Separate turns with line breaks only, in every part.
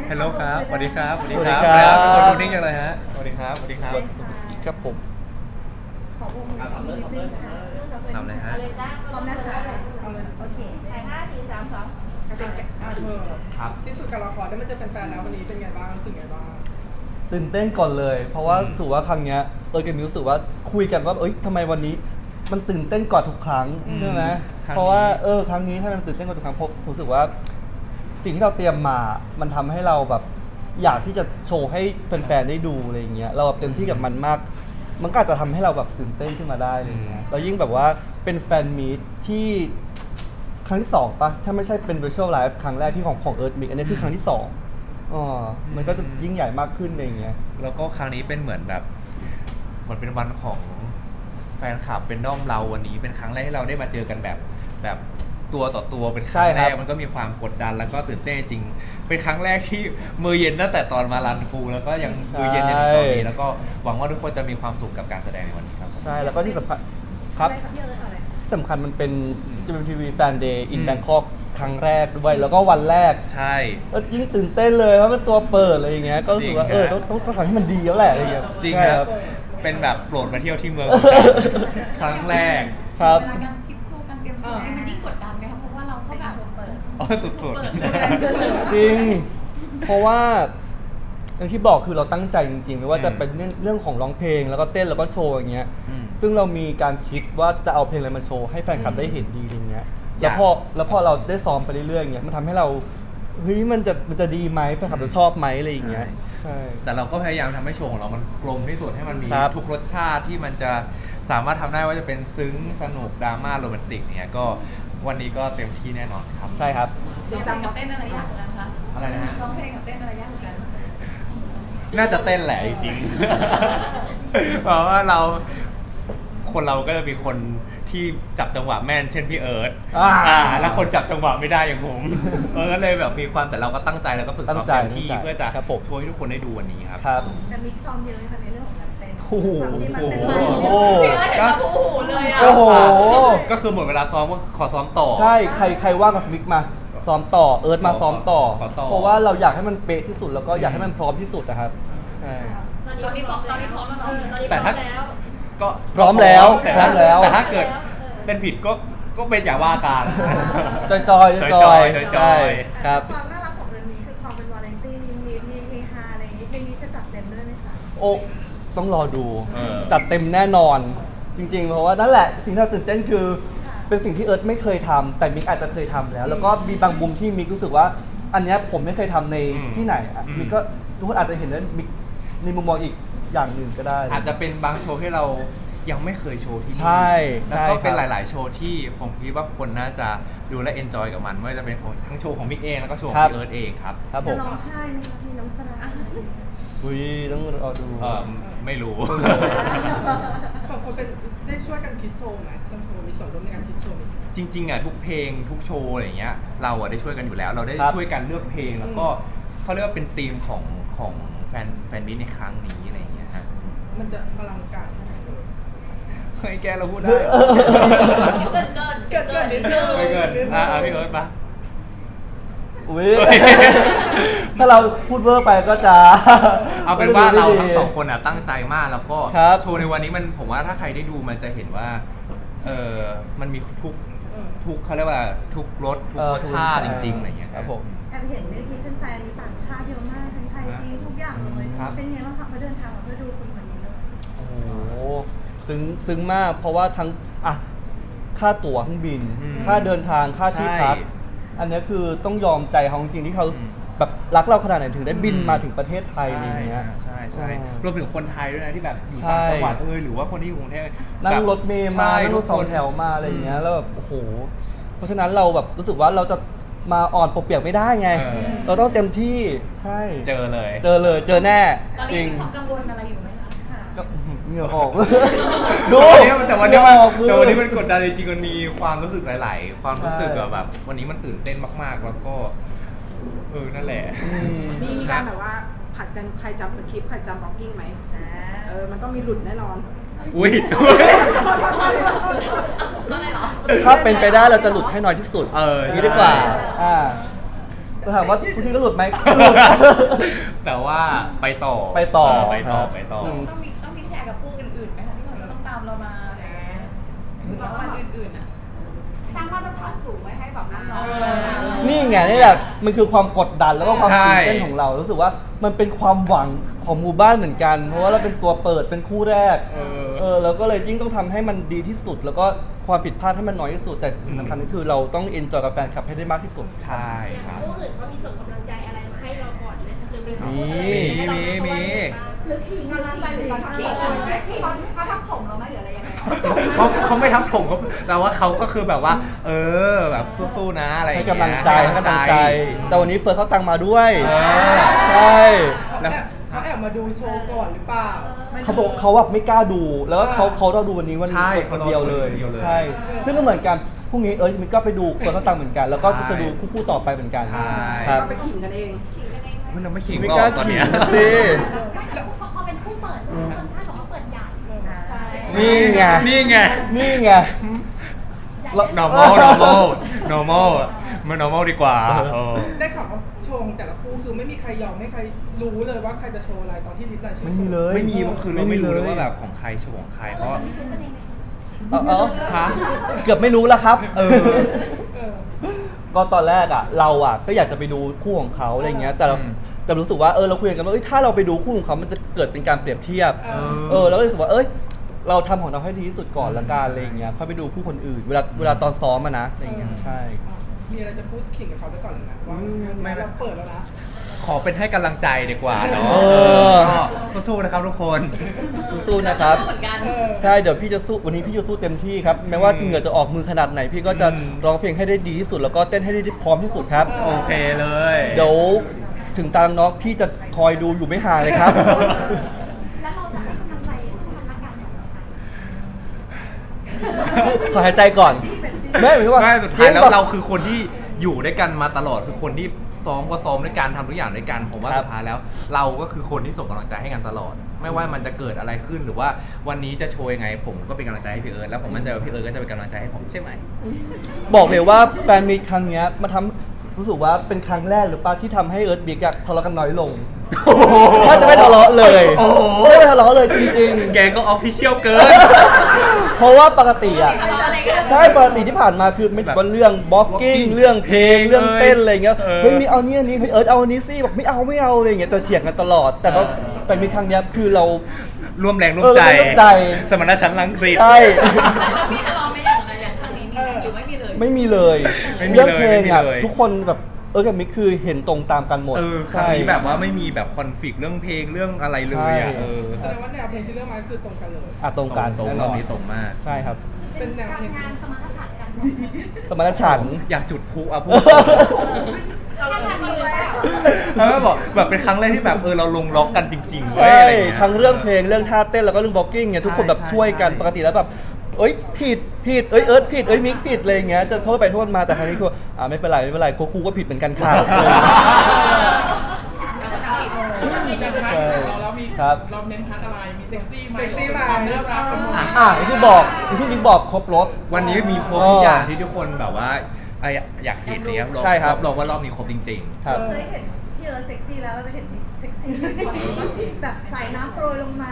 ฮัลโหลครับสวัสดีครับ
สวัสดีครับ
เป็นคนดูนิ่งจังเลยฮะสวัสดีครับสวัสดีครับ
ครับผม
ขอวงมือนิดนึงค่ะ
ทำอะไรฮะ
พร้อมนะคะเอาเลยโอเค
ถ่าย5 4 3 2
ครับ
ที่สุดการละครได้มาเจอแฟนๆแล้ววันนี้เป็นไงบ้างรู้สึกไงบ้าง
ตื่นเต้นก่อนเลย เพราะว่ารู้สึกว่าครั้งเนี้ยกับมิวรู้สึกว่าคุยกันว่าทำไมวันนี้มันตื่นเต้นกว่าทุกครั้งใช่ไหม
ครั้งนี้
เพราะว่าครั้งนี้ถ้ามันตื่นเต้นกว่าทุกครั้งเพราะรู้สึกว่าสิ่งที่เราเตรียมมามันทำให้เราแบบอยากที่จะโชว์ให้แฟนๆได้ดูอะไรอย่างเงี้ยเราแบบเต็มที่กับมันมาก มันก็อาจจะทำให้เราแบบตื่นเต้นขึ้นมาได้อะไรอย่างเงี้ยแล้วยิ่งแบบว่าเป็นแฟนมีตที่ครั้งที่2ปะถ้าไม่ใช่เป็น virtual live ครั้งแรกที่ของEarth Mix อันนี้คือครั้งที่2มันก็จะยิ่งใหญ่มากขึ้นอะไรอย่างเงี้ย
แล้วก็ครั้งนี้เป็นเหมือนแบบเหมือนเป็นวันของแฟนคลับเป็นด้อมเราวันนี้เป็นครั้งแรกที่เราได้มาเจอกันแบบตัวต่อตัวเป็นครั้งแรกมันก็มีความกดดันแล้วก็ตื่นเต้นจริงเป็นครั้งแรกที่มือเย็นตั้งแต่ตอนมารันฟูแล้วก็ยังมือเย็นจนถึงตอนนี้แล้วก็หวังว่าทุกคนจะมีความสุขกับการแสดงในวันนี้ครับ
ใช่แล้วก็ที่สำคัญครับ
อะไรครับเยอะอะไร
ที่สำคัญมันเป็นจะเป็นทีวีแฟนเดย์อินแบงคอกครั้งแรกด้วยแล้วก็วันแรก
ใช่
ก็ยิ่งตื่นเต้นเลยเพราะเป็นตัวเปิดอะไรอย่างเงี้ยก็รู้สึกว่า
จริงครับ
ต้องทำให้มันดีแล้วแหละอะไรอย่างเงี้ย
จริง
ใช่
ครับเป็นแบบโปรดมาเที่ยวที่เมือง ครั้งแรก
ครับ
เวลาการคิดโชว์การเตรียมโชว์นี่มันยิ่งกดดันไหมคะเพราะว่าเราก็แบบเปิด
อ๋อสุด
จริง เพราะว่าอย่างที่บอกคือเราตั้งใจจริงๆไม่ว่าจะเป็นเรื่องของร้องเพลงแล้วก็เต้นแล้วก็โชว์อย่างเงี้ย ซึ่งเรามีการคิดว่าจะเอาเพลงอะไรมาโชว์ให้แฟนคลับได้เห็นดีอย่างเงี้ยแล้วพอเราได้ซ้อมไปเรื่อยๆอย่างเงี้ยมันทำให้เราเฮ้ยมันจะดีไหมแฟนคลับจะชอบไหมอะไรอย่างเงี้ยใช่
แต่เราก็พยายามทำให้โชว์ของเรามันกลมที่สุดให้มันมี
ครับ
ทุกรสชาติที่มันจะสามารถทำได้ว่าจะเป็นซึ้งสนุกดราม่าโรแมนติกเนี่ยก็วันนี้ก็เต็มที่แน่นอนครับ
ใช่ครับ
ร้องเพลงกับเต้นอะไรยากกว่ากันคะ
อะไรนะฮะ
ร้องเพลงกับเต้นอะไรยากกว่ากัน
น่าจะเต้นแหละจริงๆ เพราะว่าคนเราก็จะมีคนที่จับจังหวะแม่นเช่นพี่เอิร์ธแล้วคนจับจังหวะไม่ได้อย่างผมก็เลยแบบมีความแต่เราก็ตั้งใจแล้วก็ฝึกซ้อมเต็มที่เพื่อจะ
ครับผม
ช่วยให้ทุกคนได้ดูวันนี้ครับ
ครับ
แต่มิกซ์ซ้อมเยอะไหมคะในเรื่องของการเต้น
โอ้โห
ความที่มันเป็น
โอ้
ลาย
โห
พี่เอิร์ธเห็นว่าโอ้โหเลยอ่ะ
โอ้โห
ก็คือหมดเวลาซ้อมก็ขอซ้อมต่อ
ใช่ใครว่างกับมิกมาซ้อมต่อเอิร์ธมาซ้อมต่อ
ขอต่อ
เพราะว่าเราอยากให้มันเป๊ะที่สุดแล้วก็อยากให้มันพร้อมที่สุดนะครับใช่
ตอนนี้พร้อมแล้วเนาะตอนนี้พ
แต่
ร้อ
ถ้าม
แล้ว
ก็
พร้อมแล้ว
แต่
พร้อมแล้ว
แต่ถ้าเกิดเป็นผิดก็เป็นอย่าว่ากัน
จอยๆจอย
จอยๆ
ๆใช่ครับ
ความน่ารักของเอิร์นนี้คือความเป็นวาเลนตี้มีเฮฮาอะไรอย่างนี้เพลงนี้จะจัดเต็มด้วยไหมคะ
โอ้ต้องรอดู
เออ
จัดเต็มแน่นอน จริงๆ เพราะว่านั่นแหละสิ่งที่เราตื่นเต้นคือ เป็นสิ่งที่เอิร์ธไม่เคยทำแต่มิกอาจจะเคยทำแล้ว แล้วก็มีบางมุมที่มิกรู้สึกว่า อันเนี้ยผมไม่เคยทำในที่ไหนอ่ะมิกก็ทุกคนอาจจะเห็นว่ามิกในมุมมองอีกอย่างหนึ่งก็ได้
อาจจะเป็นบางโชว์ที่เรายังไม่เคยโชว์ที่นี่
ใช่
แล้วก็เป็น
ใช่
ห
ครับ
ลาย ๆ โชว์ที่ผมคิดว่าคนน่าจะดูและเอนจอยกับมันไม่ว่าจะเป็นของทั้งโชว์ของมิกเองแล้วก็โชว์ของพี่เอิร์ธเองครับ
ครับผ
จะ
ม
ร้องไห้ไหมคะมีน้ำตา
อุ้ยต้องรอดู
ไม่รู้
สองคนเป็นได้ช่วยกันคิดโชว์ไหมสองคนมีส่วนร่วมในการคิดโชว์ไหม
จริงๆอ่ะทุกเพลงทุกโชว์อะไรอย่างเงี้ยเราอ่ะได้ช่วยกันอยู่แล้ว เราได้
ครับ
ช่วยกันเลือกเพลงแล้วก็เขาเรียกว่าเป็นธีมของแฟนมิตในครั้งนี้อะไรอย่างเงี้ยฮะ
มันจะอลังการแค่ไหนเลย
เฮ้ยแกเราพูดได้
เกินนิดนึง
ไม่เกินพี่เอิร์ธปะ
อุ้ย ถ้าเราพูดเวอร์ไปก็จะ
เอาเป็นว่าเรา
ไม่
ทั้
ดี
งสองคนอ่ะตั้งใจมากแล้วก็
ครับ
โชว์ในวันนี้มันผมว่าถ้าใครได้ดูมันจะเห็นว่ามันมีทุกเขาเรียกว่าทุกรสทุกรสชาติจริงๆอะไรอย่างเงี้ย
ครับผม
แอบเห็นในทีแฟนๆมีต่างชาติเยอะมากทั้งไทยจีนทุกอย่างเลย
ครับ
เป็นไงบ้างคะมาเดินทางมาเพื่อดูคนคนนี้เลย
โอ้โหซึ้งมาก เพราะว่าทั้งค่าตั๋วเครื่องบิน ค่าเดินทางค่าที่พัก
ใช่
อันเนี้ยคือต้องยอมใจเขาจริงๆที่เขา
อืม
แบบรักเราขนาดไหนถึงได้บินมาถึงประเทศไทยอะไรอย่างเงี้ย
ใช่รวมถึงคนไทยด้วยนะที่แบบอยู่
ใช่
ต่างจังหวัดหรือว่าคนที่อยู่กรุงเทพ
นั่ง
แบบ
รถเมล์มา
ใช่
นั่งรถสองแถวมาอะไรอย่างเงี้ยแล้วแบบโอ้โหเพราะฉะนั้นเราแบบรู้สึกว่าเราจะมาอ่อนปวกเปียกไม่ได้ไง เราต้องเต็มที่ใช่
เจอเลย
เจอแน่
ตอน
จ
นี้
ริง
มีความกังวลอะไรอยู่ไหมคะ
ค่ะ
ก็เหงื่อออก
ดูแต่วันนี้มัน
เหงื่อออกมือ
แต่วันนี้มันกดดันจริงๆมันมีความรู้สึกหลาย ๆ ความรู้สึก
ใช่
แบบวันนี้มันตื่นเต้นมากๆ แล้วก็นั่นแหละ
อืม
มีการแบบว่าผัดกันใครจำสคริปต์ใครจำบล็อกกิ้งไหมมันต้องมีหลุดแน่นอน
อุ้ย
อะไรเหรอ
ถ้าเป็นไปได้เราจะหลุดให้น้อยที่สุด
เออ
ย่างนี้ดีกว่า
ใช่
อ่าถามว่าคุณทีก็หลุดไหมหลุด
แต่ว่าไปต่อ
ไปต่อ
ไปต่อ
ครับ
ไปต่อ
ต้องมีแชร์กับผู้อื่นๆไหมคะที่เขาจะต้องตามเรามาหรือรางวัลอื่นๆอ่ะสร้างมาตรฐานสูงไว้ให้แบบน้องๆ
นี่ไงนี่แหละมันคือความกดดันแล้วก็ความ
ใช่
ตื่นเต้นของเรารู้สึกว่ามันเป็นความหวังของหมู่บ้านเหมือนกัน เพราะว่าเราเป็นตัวเปิดเป็นคู่แรกเราก็เลยยิ่งต้องทำให้มันดีที่สุด แล้วก็ความผิดพลาดให้มันน้อยที่สุด แต่สิ่งสำคัญก็คือเราต้องเอนจอยกับแฟนคลับให้ได้มากที่สุด
ใช่ครับ
ผู้อื่นเขามีส่งกำลังใจอะไรมาให้เราก่อนไหมหรือมี
มี
หรือขิงกำลังใจหรือขิงเขาทำผมเราไหมหรืออะไรยังไง
เขาไม่ทับผมเขาแต่ว่าเขาก็คือแบบว่า แบบสู้ๆนะอะไรอย่า
ให้
งเงี้ย
กำลังใจให้กำลังใจ แต่วันนี้เฟิร์สเขาตังมาด้วย
เออ
ใช่
แล้ว
เขาแอบมาดูโชว์ก่อนหรือเปล่า
เขาบอกเขาแบบไม่กล้าดู แล้วก็เขาเราดูวันนี้วัน
ใช่
คนเดียวเลย
คนเดียวเลย
ใช่ ซึ่งก็เหมือนกันพรุ่งนี้มินก็ไปดูเฟิร์สเขาตังเหมือนกัน แล้วก็จะดูคู่ต่อไปเหมือนกัน
ใช่
ครับ
ก็ไปขิงกันเอง
มันเราไม่ขิง
ไม่
หร
กล้า
อกตอน
ขิ
เนี้
ง
ย
สิ
ไม่แต่พอเป็นผู้เปิดคนท่านบอกว่าเปิดใหญ่
ใช่
นี่ไง
นี่ไง
นี่ไง
normal มัน normal ดีกว่า
ได้ข่าวว่าโชว์ของแต่ละคู่คือไม่มีใครยอมไม่ใครรู้เลยว่าใครจะโชว์อะไรตอนที่ลิสต์รายชื่อ
ไม่มีเลย
ไม่มีคือเราไม่รู้เลยว่าแบบของใครโชว์ของใครเพราะ
ฮะเกือบไม่รู้แล้วครับ
เออ
ก็ตอนแรกเราก็อยากจะไปดูคู่ของเขาอะไรเงี้ย แต่เรา
อืม
แต่รู้สึกว่าเราคุยกันว่าถ้าเราไปดูคู่ของเขามันจะเกิดเป็นการเปรียบเทียบ เราก็เลยรู้สึกว่าเราทำของเราให้ดีที่สุดก่อนละกันอะไรเงี้ยค่อยไปดูคู่คนอื่น เวลาตอนซ้อมนะอะไรเงี้ยใช่
มีอะไรจะพูดขิงกับเขาไปก่อนเลยนะว่าไม่เราเปิดแล้วนะ
ขอเป็นให้กำลังใจดีกว่าเนาะ
เออ
ก็สู้นะครับทุกคน
สู้ๆนะครับ
สู้เหมือนกัน
ใช่เดี๋ยวพี่จะสู้วันนี้พี่จะสู้เต็มที่ครับแม้ว่าเหงื่อจะออกมือขนาดไหน พี่ก็จะร้องเพลงให้ได้ดีที่สุด แล้วก็เต้นให้ได้พร้อมที่สุดครับ
โอเคเลย
เดี๋ยวถึงตามน้องพี่จะคอยดูอยู่ไม่ห่างเลยครับ
แล้วเราจะให้กำลังใจซึ่งกันและกันอย่างไร
ขอหายใจก่อนไม่หมายถึงว่า
ไม่สุดท้ายแล้ว
จงๆ
เราคือคนที่อยู่ด้วยกันมาตลอดคือคนที่ซ้อมก็ซ้อมด้วยกันทำทุกอย่างด้วยกันผมว่า
ครับ
สุดท้ายแล้ว เราก็คือคนที่ส่งกำลังใจให้กันตลอด ไม่ว่ามันจะเกิดอะไรขึ้นหรือว่าวันนี้จะโชว์ยังไง ผมก็เป็นกำลังใจให้พี่เอิร์ธแล้วผมมั่นใจว่าพี่เอิร์ธก็จะเป็นกำลังใจให้ผมใช่ไหม
บอกเลยว่าแฟนมีตครั้งเนี้ยมาทำรู้สึกว่าเป็นครั้งแรกหรือเปล่าที่ทำให้เอิร์ธบิ๊กทะเลาะกันน้อยลง ถ้าจะไม่ทะเลาะเลย
โอ้โห
ไม่ทะเลาะเลยจริง
แกก็ออฟฟิเชียลเกิน
ๆ เพราะว่าปกติใช่ปกติที่ผ่านมาคือไม่ว่าเรื่องบล็อกกิ้งเรื่องเพลงเรื่องเต้นอะไรเงี้ยเฮ้ยมีเอานี่อันนี้เฮ้ยเอิร์ธเอาอันนี้สิบอกไม่เอาอะไรอย่างเงี้ยแต่เถียงกันตลอด แต่ว่าแฟนมีตครั้งเนี้ยคือเรา
ร่วมแรงร่วมใจ
ร่วมใจ
สมณชันท์รังสิต
ใช่
แล้วพี่ทะเลาะไหม่อย่างไรอย่างครั้งนี้มีไหมหรือไม่มีเลย
ไม่มีเลย
ไม่มีเลย
เรื่องเพลง
ไม่มีเลย
ทุกคนแบบกับมิกคือเห็นตรงตามกันหมด
ครั้งนี้แบบว่าไม่มีแบบคอนฟ lict เรื่องเพลงเรื่องอะไรเลยอ่ะ
ใช่
แสดงว่าแนวเพลงที่เลือกมาคือตรงกันเลย
ตรงกัน
ตรง
แน่น
ร
อ
อบ
น
นี้ตรงมาก
ใช่ครับ
เป็นแนวเพลง
งานสมรรถฉันท์กัน
สมรรถฉันท์
อยากจุดพลุอ่ะพูด
เราทำมือแล้ว
แล้วก็บอกแบบเป็นครั้งแรกที่แบบเราลงล็อกกันจริงๆเว้ย
ใช่
อะไรเงี้ย
ทั้งเรื่องเพลงเรื่องท่าเต้นแล้วก็เรื่องบล็อกกิ้งเนี่ยทุกคนแบบ
ใช่
ช่วยกัน
ใช่
ปกติแล้วแบบผิดเอิร์ธผิดมิกผิดอะไรอย่างเงี้ยจะโทษไปโทษมาแต่ครั้งนี้คือไม่เป็นไรกูก็ผิดเหมือนกันค่ะ
เรามี
ครับ
เราเน้นพัดอะไร มีเซ็กซี่ไหมเซ็กซี่ไหมความน่ารักกันหมด
อย่างที่บอกอย่างที่มิกบอกครบรถ
วันนี้มีครบทุกอย่างที่ทุกคนแบบว่าอยากเห็นเนี่ย
ใช่ครับ
ลองว่ารอบนี้ครบจริง
ครับ
เคยเห็นพี่เอิร์ธเซ็กซี่แล้วเราจะเห็นมิกเซ็กซี่แบบสายน้ำโปรยลงมา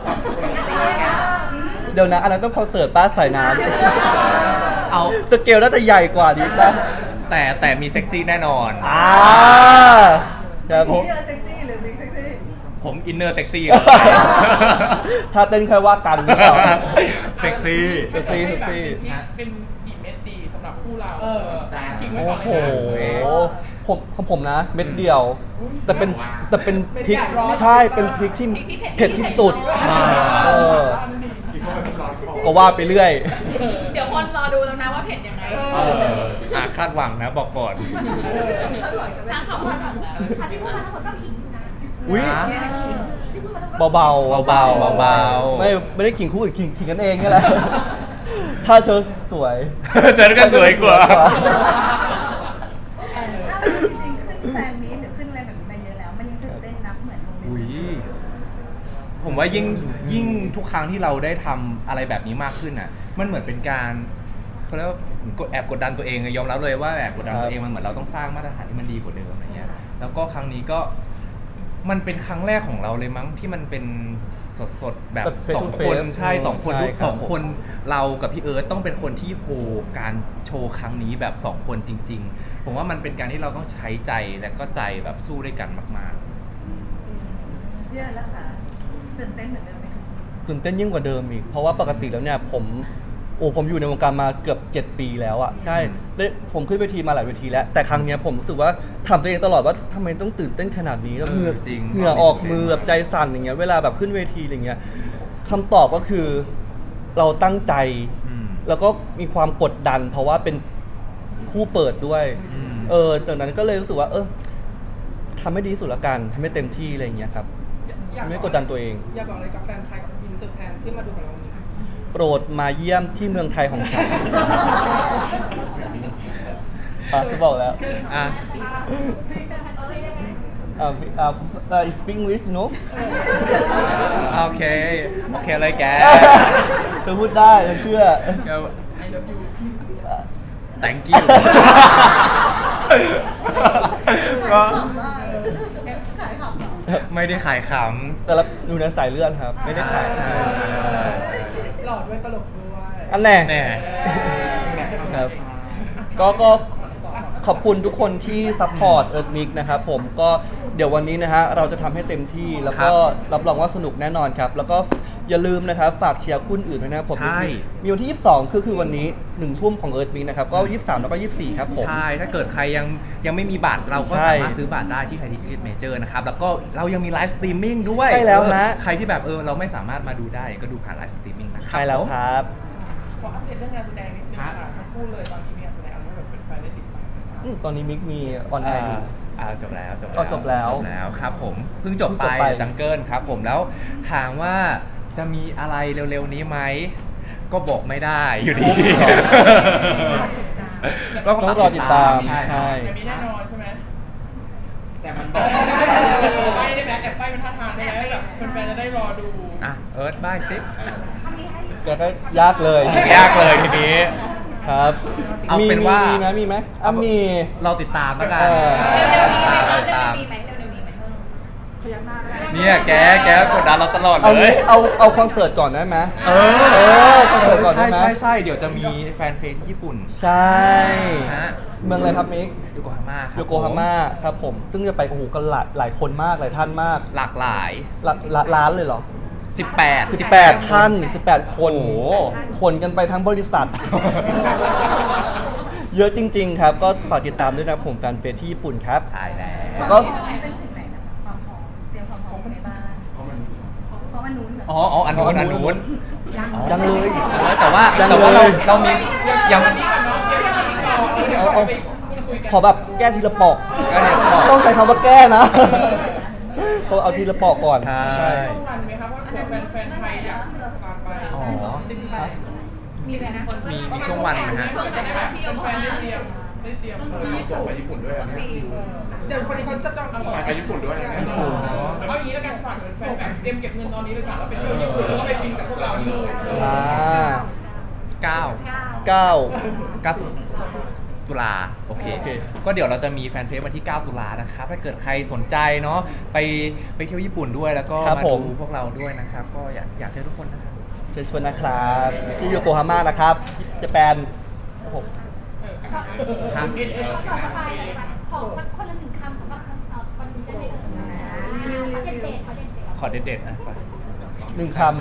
เดี๋ยวนะอันนั้นต้องคอนเสิร์ตป้าสายน้
เอา
ำสเกลน่าจะใหญ่กว่านี้นะ
แต่มีเซ็กซี่แน่นอน
ครับผม
พี่เอิร์ธเซ็กซี่หรือมิกเซ็กซี่
ผมอินเนอร์เซ็กซี่
ถ้าเต้นค่อยว่ากันหรือเปล่า
เซ็กซี่
เซ็กซี่เซ็กซี่
เป็นกี่เม็ดดีสำหรับคู่เราทิ้งไว้
โอ้
ก่อน
โห
เลยนะ
ของผมนะ เม็ดเดียว แต่เป็นพริกใช่เป็นพริกที่เผ็ดที่สุดเออก็ว่าไปเรื่อย
เดี๋ยวคนรอดูแล้วนะว่าเผ็ดยังไง
คาดหวังนะบอกก่อน
สร้างความคาดหวังแล้ว
อันที่พูดมาทั้งหมดก็ขิงอยู่นะ
อุ้ย
ที่พูดมาทั้งหมดก็
เบาๆเบาๆ
เบาๆ
ไม่ได้ขิงคู่อื่นขิงกันเองนี่แหละ ถ้าเธอสวย
ฉันก็สวยกว่า
ถ้าจริงๆขึ้นแฟนมีตหรือขึ้นอะไรแบบนี้มาเยอะแล้ว มันยังตื่นเต้นนับเหมือนโมเมน
อุ้ย
ต์
ผมว่ายิ่งทุกครั้งที่เราได้ทำอะไรแบบนี้มากขึ้นอ่ะ มันเหมือนเป็นการเขาเรียกว่าแอบกดดันตัวเองยอมรับเลยว่าแอบกดดันตัวเองมันเหมือนเราต้องสร้างมาตรฐานที่มันดีกว่าเดิมอะไรเงี้ยแล้วก็ครั้งนี้ก็มันเป็นครั้งแรกของเราเลยมั้งที่มันเป็นสดๆแบบ
face
ส
to
อง
face
คนใช่สองคน
ใช่
ลูก
ครับ
สองคนเรากับพี่เอิร์ธต้องเป็นคนที่โฮการโชว์ครั้งนี้แบบสองคนจริง ๆ ผมว่ามันเป็นการที่เราต้องใช้ใจและก็ใจแบบสู้ด้วยกันมากๆ
เรื่องแล้วค่ะตื่นเต้นเหมือนเดิมไหมคะ
ตื่นเต้นยิ่งกว่าเดิมอีกเพราะว่าปกติแล้วเนี่ยผมอยู่ในวงการมาเกือบ7 ปีแล้วอ่ะใช่ได้ผมขึ้นเวทีมาหลายเวทีแล้วแต่ครั้งเนี้ยผมรู้สึกว่าถามตัวเองตลอดว่าทำไมต้องตื่นเต้นขนาดนี้แล้วเหงื่อ
จริง
เหงื่อออกมือแบบใจสั่นอย่างเงี้ยเวลาแบบขึ้นเวทีอะไรเงี้ยคำตอบก็คือเราตั้งใจ
อืม
แล้วก็มีความกดดัน เพราะว่าเป็นคู่เปิดด้วย
อืม
จากนั้นก็เลยรู้สึกว่าทำให้ดีที่สุดละกันทำให้เต็มที่อะไรอย่างเงี้ยครับไม่กดดันตัวเอง
อยากบอกอะไรกับแฟนไทยกับอินเตอร์แฟนที่มาดูของเราวันนี้
โปรดมาเยี่ยมที่เมืองไทยของฉัน จะบอกแล้ว
อ่ะ
speak English no
โอเคเลยแก
เธอพูดได้ฉันเชื่อ
I love you
thank you ก็
ขายของ
ไม่ได้ขายข
แต่ละดูในสายเลือดครับ ไม่ได้ขายใช่
หล่อด้วยตลกด้วย
อันแน่
ำแน่
ครับก็ขอบคุณทุกคนที่ซัพพอร์ตเอิร์ธมิกนะครับผมก็เดี๋ยววันนี้นะฮะเราจะทำให้เต็มที่แล้วก็รับรองว่าสนุกแน่นอนครับ แล้วก็อย่าลืมนะครับฝากเชียร์คู่อื่นด้วยนะครับผม
ใช่
มีวันที่ 22คือวันนี้1 ทุ่มของเอิร์ธมิกนะครับก็23แล้วก็24ครับผม
ใช่ ถ้าเกิดใครยังไม่มีบัตรเราก็
ใช่
สามารถซื้อบัตรได้ที่ไทยทิเก็ตเมเจอร์นะครับ แล้วก็เรายังมีไลฟ์สตรีมมิ่งด้วย
ใช่แล้วฮะ
ใครที่แบบเราไม่สามารถมาดูได้ก็ดูผ่านไลฟ์สตรีมมิ่งนะครับ
ใช่แล้วครับ
ขออัปเดตเรื่องงานแสดงนิดนึงค่ะทั้งคู่เลยตอนนี้มีงานแสดงอะไรแบบเป็นแฟนได้ติดตามไหมคะ
ตอนนี้มิกมีออนแอร์อยู่
จบแล้ว
อ๋อจบแล้ว
ครับผมเพิ่งจบไป
เพิ่งจบไป
จังเกิลครับผมแล้วถามว่าจะมีอะไรเร็วๆนี้ไหมก็บอกไม่ได้อยู่ดี
ต้องรอติดตาม
ใช่
ใช่
แต่มีแน่นอนใช่ไหม
แต่มัน
ใบได้ไหมแอบใบเป็นท่าทางได้ไหมแบบแฟนๆจะได้รอดู
อ่ะเอิร์ธบ้างสิ
ทำนี้ให้
ก็ยากเลย
ยากเลยทีนี้
ครับ
เอาเป็นว่า
มีไหมมี
เราติดตามแล้วกัน
เออ
เร็วๆนี้ไหมคะ
ติด
เร็
ตาม
วๆนี้ไหมเร็วๆนี้ไหม
พยักหน้าได้
เนี่ยแกกดดันเราตลอด
เอา
เลย
เอาคอนเสิร์ตก่อนได้ไหม
เอ
คอนเสิร์ตก่อนได้ไหม
ใช่เดี๋ยวจะมีแฟนเฟซที่ญี่ปุ่น
ใช่
ฮะ
เมืองอะไรครับมิก
โยโกฮาม่าครับ
โยโกฮาม่าครับผม ซึ่งจะไปกันหลายคนมากหลายท่านมาก
หลากหลาย
ล้านเลยเหรอ
18
ท่าน18 คน
โอ้โห
คนกันไปทั้งบริษัท เยอะจริง ๆ ครับ ก็ฝากติดตามด้วยนะผมแฟนเฟซที่ญี่ปุ่นครับ
ใช่แล้ว
แล้ว
ก็
ก็
เป็นถึงไหนนะคะความพร้อมเตรียมความพร้อมในบ้านเพราะมันนู้นเหรอ
อ๋ออันนู้น
ยังเลย
แต่ว่า
ยัง
เรา
เลย
เรามียัง
เดี๋ยวก่อนไปพูดคุยกัน
ขอแบบแก้ทีละปอก
แก้ทีละปอก
ต้องใช้คำว่าแก้นะก็เอาทีละปอกก่อน
ใช่
ช่วงวันไหมครับว่าแฟนไทยอยากตามไป
อ๋อ
มีไหมนะ
มีช่วงวันนะฮะ
จะได้แบบแฟนได้เตรียมที่ญี่ปุ่นด้วยเดี๋ยวคนนี้เขาจะจองไปญี่ปุ่นด้วยเอาอย่างนี้แล้วกันฝากถึงแฟนแบบเตรียมเก็บเงินตอนนี้เลยก่อนแล้วไปเที่ยวญี่ปุ่นแล้วก็ไปกินกับพวกเราที่นู่น
9 ตุลาโอเค ก็เดี๋ยวเราจะมีแฟนเฟซวันที่ 9 ตุลานะครับ ถ้าเกิดใครสนใจเนาะไปเที่ยวญี่ปุ่นด้วยแล้วก็
ครับ
มา
ผม
ดูพวกเราด้วยนะครับ ก็อยากเจอทุกคนนะครับ
เชิญชวนนะครับที่โยโกฮาม่านะครับที่ญี่ปุ่นครับผม
ครับ
ต่อสบายเลยค่ะขอสักคนละ1 คำสำหรับวันนี้ได้เลยขอเด็ดๆ
ขอเด็ดๆนะ
1 ค
ครับ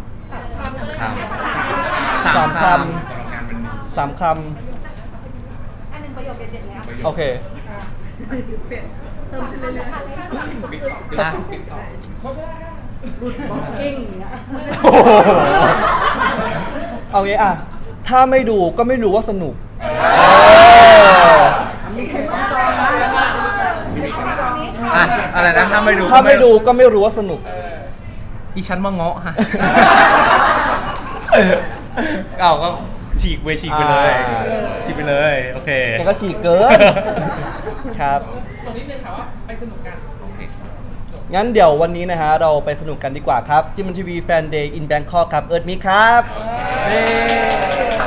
สามค
3
3 คำ
อันหนึ่งประโยคเด็ดๆเลยค่ะ
โอเค
เติมขึ้นเรื่อย
นะ
กิ้งอย่างเงี้ย
โอ้โหเอางี้อ่ะ ถ้าไม่ดูก็ไม่รู้ว่าสนุก
อ่ะอะไรนะถ้าไม่ดู
ถ้าไม่ดูก็ไม่รู้ว่าสนุก
ดิฉันมาเงาะฮะเอาก็ฉีกไปเลย
อ่า
ฉีกไปเลยโอเค
แกก็ฉีกเกิน ครับ
ส่วนนิดนึงค่ะว่าไปสนุกกัน
งั้นเดี๋ยววันนี้นะฮะเราไปสนุกกันดีกว่าครับจิมมันทีวีแฟนเดย์อินแบงคอกครับ เอิร์ธมิกครับเย้